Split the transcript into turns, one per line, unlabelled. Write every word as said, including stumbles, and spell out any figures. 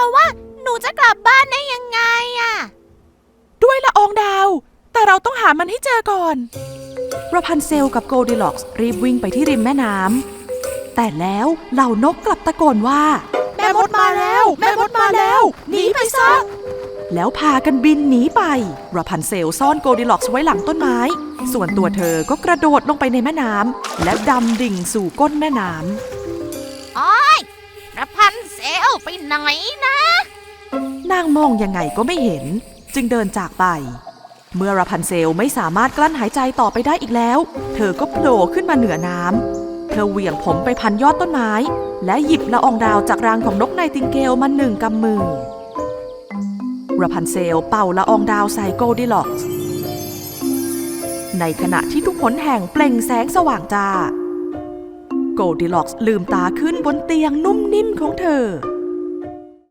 ว่าหนูจะกลับบ้านได้ยังไงอะ
ด้วยละอองดาวแต่เราต้องหามันให้เจอก่อนราพันเซลกับโกลดิล็อกส์รีบวิ่งไปที่ริมแม่น้ำแต่แล้วเหล่านกกลับตะโกนว่าแม่มดมาแล้วแม่มดมาแล้วหนีไปซะแล้วพากันบินหนีไปราพันเซลซ่อนโกลดิล็อกส์ไว้หลังต้นไม้ส่วนตัวเธอก็กระโดดลงไปในแม่น้ำและดำดิ่งสู่ก้นแม่น้
ำโอ๊ยราพันเซลไปไหนนะ
นางมองยังไงก็ไม่เห็นจึงเดินจากไปเมื่อราพันเซลไม่สามารถกลั้นหายใจต่อไปได้อีกแล้วเธอก็โผล่ขึ้นมาเหนือน้ำเธอเหวี่ยงผมไปพันยอดต้นไม้และหยิบละอองดาวจากรังของนกไนติงเกลมาหนึ่งกำมือราพันเซลเป่าละอองดาวใส่โกลดิล็อกส์ในขณะที่ทุกหนแห่งเปล่งแสงสว่างจ้าโกลดิล็อกส์ลืมตาขึ้นบนเตียงนุ่มนิ่มของเธอ